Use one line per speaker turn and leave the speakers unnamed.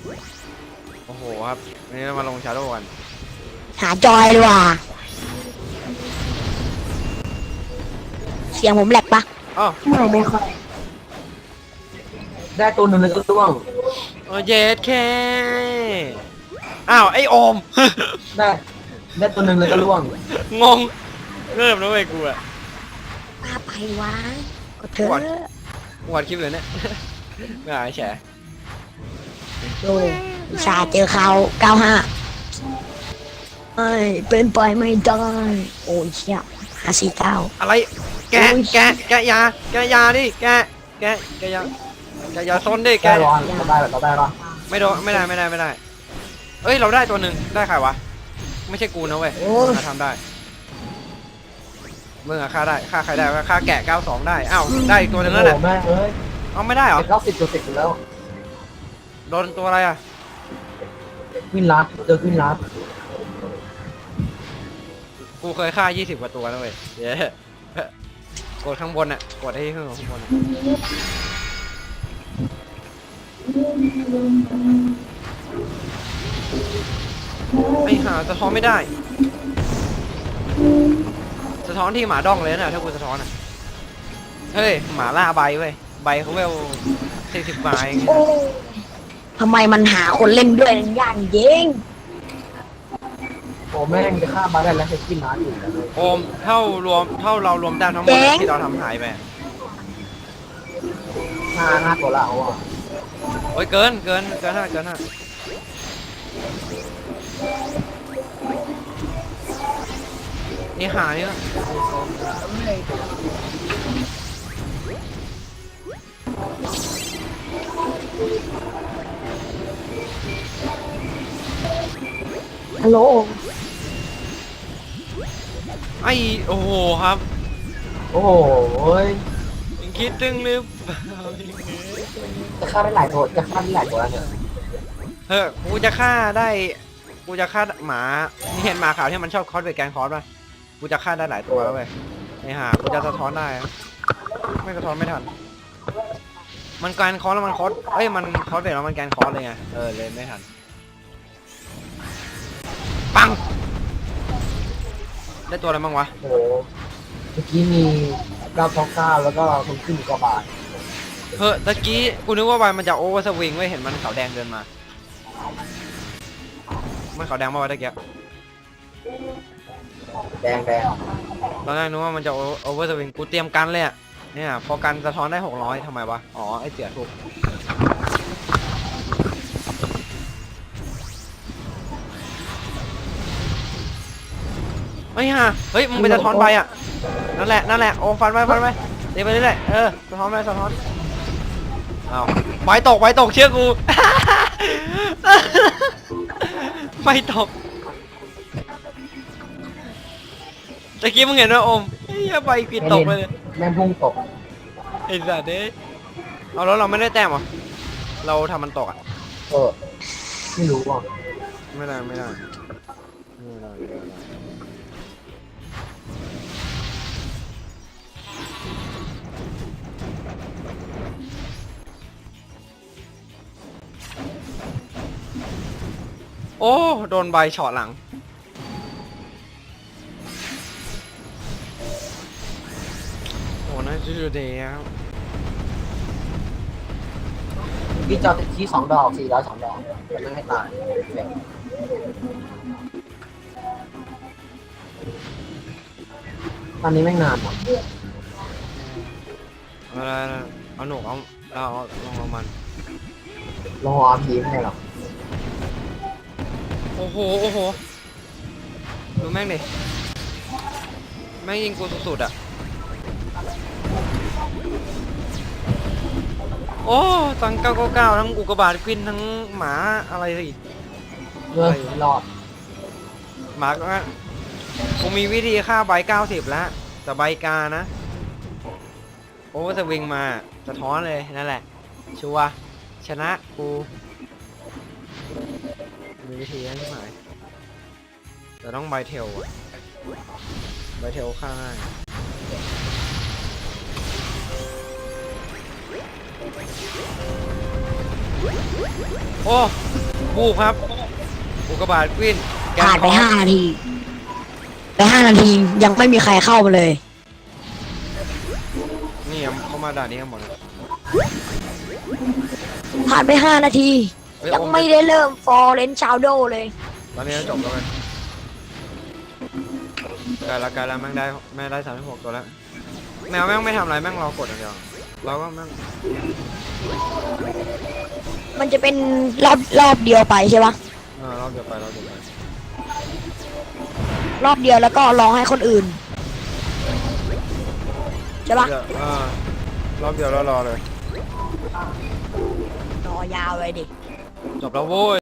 โอ้โหครับวันนี้เรามาลงชาโดว์กัน
หาจอยดีกว่าเสียงผมแหลกปะ
อ้าว
ไม่ค่อย
ได้ตัวหนึ่งเลยก็ร่วง
เย็ดแค่อ้าวไอโอม
ได้ตัวหนึ่งเลยก็ร่วง
งงเริ่มแล้วเว้ยกูอะ
ป้าไปวะก็เถอะ
วัดคลิปเลยเนี่ย ไม่หายแฉ
โอ้วิชาเจอเขา95ไม่เป็นไปไม่ได้โอ้ยเชี่ย549
อะไรแกะ
โอ้ย
แกะยาดิแกะยาซนดิแกะ
ได้ร้อนเราได้ปะ
ไม่โดนไม่ได้เอ้ยเราได้ตัวหนึ่งได้ใครวะไม่ใช่กูนะเว้ยมาทำได้มึงอะฆ่าได้ฆ่าใครได้ฆ่าแกะ92ได้อ้าวได้อีกตัวหนึ่งแล้ว
โอ้
เนี่ย
แม่เอ้ย
เอาไม่ได้เหรอ
90ตัวติดอยู่แล้ว
โดนตัวอะไรอะ
วินลัดเจอวินลัด
กูเคยฆ่า20กว่าตัวนะเว้ยเย้กดข้างบนอะกดให้ข้างบนอะไอ้ห่าสะท้อนไม่ได้สะท้อนที่หมาด้องเลยนะถ้ากูสะท้อนอะเฮ้ยหมาล่าใบเว้ยใบเขาเวล40 ใบเอง
ทำไมมันหาคนเล่นด้วยยากเยิง
โอ้แม่งจะฆ่ามาได้แล้วใช้วินลัดอยู่
โอมเท่าเรารวมได้ทั้งหมดที่เราทำหายไป
5ตัวละเอาอ่ะ
โอ้ยเกินห้านี่หานี่ละ
ฮัลโหล
ไอโอ้โหครับ
โอ้โห
คิดตึงหรือเปล่า
จะฆ่าได้หลายตัวแล้วเนี่ย
เฮ้ยกูจะฆ่าหมานี่เห็นหมาขาวที่มันชอบคอสเวทแกนคอสป่ะกูจะฆ่าได้หลายตัวแล้วเว้ยไอหากูจะสะท้อนได้อะไม่สะท้อนไม่ทันมันแกนคอสแล้วมันคอสเอ้ยมันคอสเวทแล้วมันแกนคอสเลยไงเลยไม่ทันปังได้ตัวอะไรบ้างวะ
โอ้โหเมื่อกี้มี929แล้วก็คนขึ้นกว่าบาท
เฮ้ยตะกี้กูนึกว่ามันจะโอเวอร์สวิงไว้เห็นมันขาวแดงเดินมามันขาวแดงมาวะตะกี้
แดง
ตอนแรกนึกว่ามันจะโอเวอร์สวิงกูเตรียมกันเลยอะเนี่ยพอกันสะท้อนได้600ทำไมวะอ๋อไอเจี๋ยถูกเฮ้ยฮะเฮ้ยมึงไปสะท้อนใบอะนั่นแหละโอ้ฟันไปเดี๋ยวไปเรื่อยสะท้อนอ้าวใบตกเชื่อกู ไฟตกตะกี้มึงเห็นว่าโอมเฮ้ยใบกินตกไปเลย
แม่งพุ่งตก
ไอ้สัตว์เด้เอาแล้วเราไม่ได้แต้มเหรอเราทำมันตกอ่ะ
ไม่รู้ว่ะ
ไม่ได้โอ้โดนใบช็อตหลังโอ้น่าจะดูเดียว
พี่จอติดที่2 ดอก402 ดอกแต่ไม่ให้ตายแบบตอนนี้แม่งนานหมด
เอาหนูเอาลองมัน
ลงอาพีไม่ให้หรอก
โอ้โหดูแม่งดิแม่งยิงกูสุดๆอ่ะโอ้ตัง999ทั้งอุกกาบาตกวินทั้งหมาอะไรสิ
รอด
หมาก็กูมีวิธีฆ่าใบ90แล้วแต่ใบกานะโอ้สวิงมาสะท้อนเลยนั่นแหละชัวร์ชนะกูมีวิธีให้ใช่ไหมแต่ต้องใบเทลอะใบเทลฆ่าง่ายโอ้บูครับอุกกาบาตกวินแกน
ผ่านไป
คอร์ส
5 นาทีไป5 นาทียังไม่มีใครเข้ามาเลย
นี่เขามาด่านนี้กันหมดเลย
ผ่านไป 5 นาที
เฮ้ย
ยัง
โอม
ไม่ได้เริ่มฟอร์เรนชาวโดเลย
ตอนนี้จบแล้วกันไกลแล้วแม่งได้36ตัวแล้วแมวแม่งไม่ทำอะไรแม่งรอกดอย่างเดียวเราก็แม่ง
มันจะเป็นรอบเดียวไปใช่ปะ
รอบเดียวไป
รอบเดียวแล้วก็รอให้คนอื่นใช่ปะ
รอบเดียวแล้วรอเลย
รอยาวเลยดิ
จบแล้วโว้ย